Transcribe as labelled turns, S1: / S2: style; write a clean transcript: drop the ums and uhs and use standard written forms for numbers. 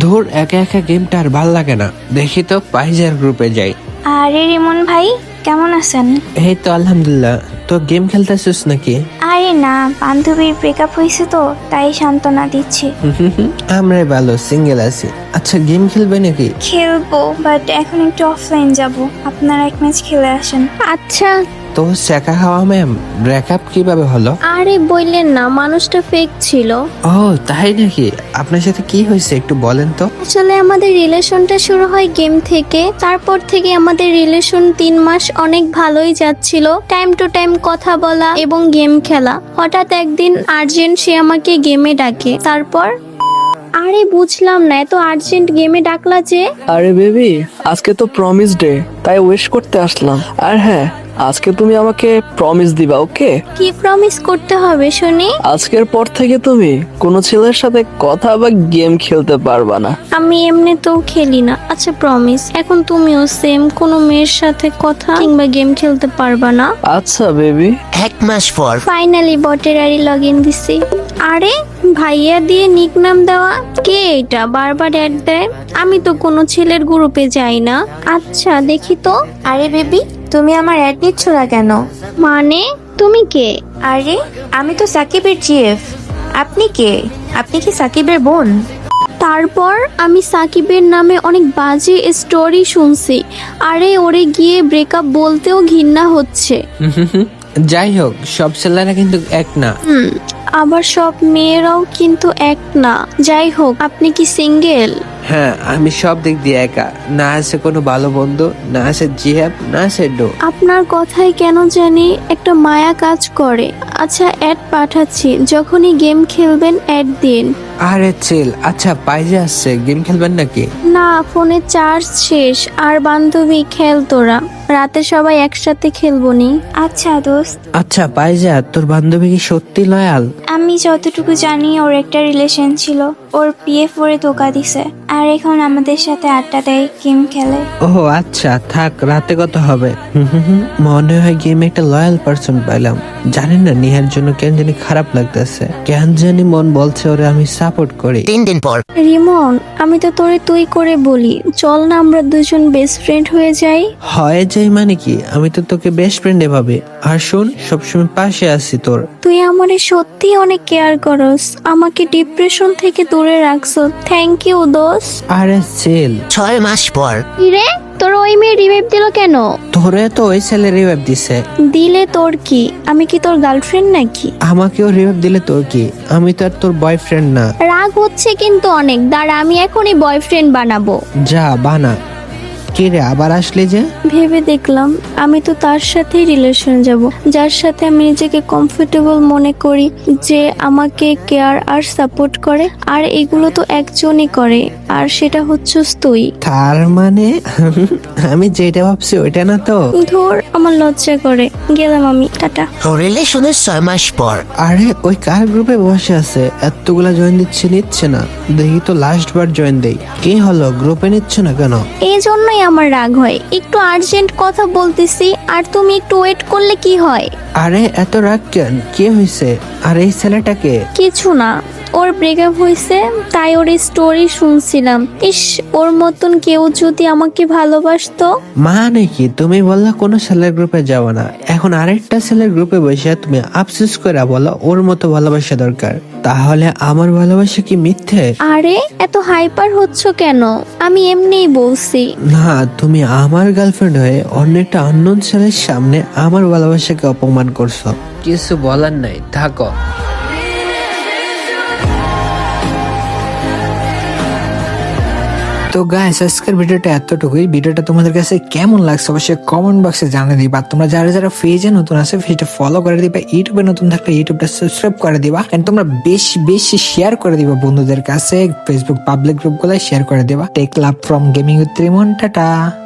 S1: ধুর, একা একা গেমটা আর ভাল লাগে না, দেখি তো পাইজার গ্রুপে যাই।
S2: আরে রিমন ভাই, কেমন আছেন?
S1: এই তো আলহামদুলিল্লাহ। তো গেম খেলতেছিস নাকি?
S2: আরে না, বান্ধবীর ব্রেকআপ হয়েছে তো তাই সান্ত্বনা দিচ্ছি।
S1: আমরাই ভালো, সিঙ্গেল আছি। আচ্ছা, গেম খেলবে নাকি?
S2: খেলবো, বাট এখন একটু অফলাইন যাব। আপনারা এক ম্যাচ খেলে আসেন।
S3: আচ্ছা।
S1: তো শেখা খাওয়া ম্যাম, ব্রেকআপ কিভাবে হলো?
S3: আরে বললেন না, মানুষটা ফেক ছিল।
S1: ও তাই নাকি? আপনার সাথে কি হয়েছে একটু বলেন তো।
S3: আসলে আমাদের রিলেশনটা শুরু হয় গেম থেকে। তারপর থেকে আমাদের রিলেশন 3 মাস অনেক ভালোই যাচ্ছিল, টাইম টু টাইম কথা বলা এবং গেম খেলা। হঠাৎ একদিন আর্জেন্ট সে আমাকে গেমে ডাকে। তারপর আরে বুঝলাম না, এত আর্জেন্ট গেমে ডাকলা যে?
S4: আরে বেবি, আজকে তো প্রমিস ডে, তাই উইশ করতে আসলাম। আর হ্যাঁ, আজকে তুমি আমাকে প্রমিস দিবা, ওকে?
S3: কি প্রমিস করতে হবে শুনি?
S4: আজকের পর থেকে তুমি কোনো ছেলের সাথে কথা বা গেম খেলতে পারবা না।
S3: আমি এমনিতেও খেলি না। আচ্ছা প্রমিস। এখন তুমিও সেম, কোনো মেয়ের সাথে কথা কিংবা গেম খেলতে পারবা না।
S4: আচ্ছা বেবি।
S5: 1 মাস পর
S3: ফাইনালি বটের আইডি লগ ইন দিছি। আরে ভাইয়া দিয়ে নিক নাম দেওয়া, কে এটা বারবার অ্যাড দেয়? আমি তো কোনো ছেলের গ্রুপে যাই না। আচ্ছা দেখি তো।
S2: আরে বেবি, তুমি আমার অ্যাড নিচ্ছ না কেন?
S3: মানে তুমি কে?
S2: আরে আমি তো সাকিবের জিএফ। আপনি কে? আপনি কি সাকিবের বোন?
S3: তারপর আমি সাকিবের নামে অনেক বাজে স্টোরি শুনছি। আরে ওরে গিয়ে ব্রেকআপ বলতেও ঘৃণা হচ্ছে।
S1: যাই হোক, সব ছেলেরা কিন্তু এক না।
S3: আবার সব মেয়েরাও কিন্তু এক না। যাই হোক, আপনি কি সিঙ্গেল?
S1: হ্যাঁ, আমি সব দিক দিয়ে একা। না আছে কোনো ভালো বন্ধু, না আছে জিহাব, না আছে ডো।
S3: আপনার কথায় কেন জানি একটা মায়া কাজ করে। আচ্ছা অ্যাড পাঠাচ্ছি, যখনই গেম খেলবেন অ্যাড দিন।
S1: আরে চিল। আচ্ছা, পাইজে আসছে, গেম খেলবেন নাকি?
S3: না, ফোনে চার্জ শেষ। আর বান্ধবী খেল তোরা, রাতে সবাই একসাথে খেলবো নি।
S2: আচ্ছা দোস্ত,
S1: আচ্ছা পাইজা, তোর বান্ধবী কি সত্যি লয়াল?
S2: আমি যতটুকু জানি ওর একটা রিলেশন ছিল, ওর পিএফ ওরে ধোকা দিছে, আর এখন আমাদের সাথে আড্ডা দেয়, গেম খেলে।
S1: ও আচ্ছা, থাক, রাতে কত হবে। মনে হয় গেমে একটা লয়াল পারসন পাইলাম। জানি না নিহার জন্য কেন জানি খারাপ লাগতেছে, কেন জানি মন বলছে ওরে আমি সাপোর্ট করি।
S5: 3 দিন পর
S3: রিমন, আমি তো তোরে তুই করে বলি, চল না আমরা দুজন বেস্ট ফ্রেন্ড হয়ে যাই।
S1: হয়ে যাই মানে কি? আমি তো তোকে বেস্ট ফ্রেন্ডে ভাবি। আর শোন, সবসময় পাশে আছি তোর।
S3: তুই আমারে সত্যি অনেক কেয়ার করস, আমাকে ডিপ্রেশন থেকে দূরে রাখছ। থ্যাংক ইউ দোস্ত।
S1: আরে চিল।
S5: 6 মাস পর
S3: রে, তোর ওই মেয়ে রিভাইভ দিল কেন?
S1: তোরে তো ওই ছেলে রিভাইভ দিছে।
S3: দিলে তোর কি? আমি কি তোর গার্লফ্রেন্ড নাকি?
S1: আমাকেও রিভাইভ দিলে তোর কি? আমি তো আর তোর বয়ফ্রেন্ড না।
S3: রাগ হচ্ছে কিন্তু অনেক। দাঁড়া, আমি এখনই বয়ফ্রেন্ড বানাবো।
S1: যা বানা। কে রে, আবার আসলি যে?
S3: ভেবে দেখলাম আমি তো তার সাথেই রিলেশন যাব, যার সাথে আমি নিজেকে কমফোর্টেবল মনে করি, যে আমাকে কেয়ার আর সাপোর্ট করে। আর এগুলো তো একজনই করে, আর সেটা হচ্ছিস তুই।
S1: তার মানে আমি যেটা ভাবছি ওইটা না তো?
S3: ধর, আমার লজ্জা করে। গেলাম আমি, টাটা।
S5: রিলেশনের 6 মাস পর
S1: আরে ওই কার গ্রুপে বসে আছে? এতগুলা জয়েন দিচ্ছে, নিচ্ছে না। দেখি তো লাস্ট বার জয়েন দেই। কি হলো, গ্রুপে নিচ্ছে না কেন?
S3: এই জন্যই আমার রাগ হয়। একটু আর্জেন্ট কথা বলতেছি, আর তুমি একটু ওয়েট করলে কি হয়?
S1: আরে এত রাগ কেন? কি হয়েছে? আর এই ছেলেটাকে?
S3: কিছু না, ওর ব্রেকআপ হয়েছে, তাই ওর স্টোরি শুনছিলাম। ইস, ওর মতন কেউ যদি আমাকে ভালোবাসতো।
S1: মানে কি তুমি বললা কোনো ছেলের গ্রুপে যাবো না, এখন আরেকটা ছেলের গ্রুপে বসে তুমি আফসোস করে বলো ওর মতো ভালোবাসা দরকার? তাহলে আমার ভালোবাসা কি মিথ্যে?
S3: আরে এত হাইপার হচ্ছ কেন? আমি এমনিই বলছি।
S1: না, তুমি আমার গার্লফ্রেন্ড হয়ে অন্য একটা আননোন ছেলের সামনে আমার ভালোবাসাকে অপমান করছো। কিছু বলার নাই, থাকো। তো গাইস, আজকের ভিডিওটা এতটুকুই। ভিডিওটা তোমাদের কাছে কেমন লাগছে অবশ্যই কমেন্ট বক্সে জানিয়ে দিবা। তোমরা যারা যারা পেজে নতুন আছে পেজটা ফলো করে দিবা, ইউটিউবে নতুন থাকলে ইউটিউবটা সাবস্ক্রাইব করে দিবা, এন্ড তোমরা বেশি বেশি শেয়ার করে দিবা বন্ধুদের কাছে, ফেসবুক পাবলিক গ্রুপগুলো শেয়ার করে দিবা। Take love from gaming with Rimon, tata.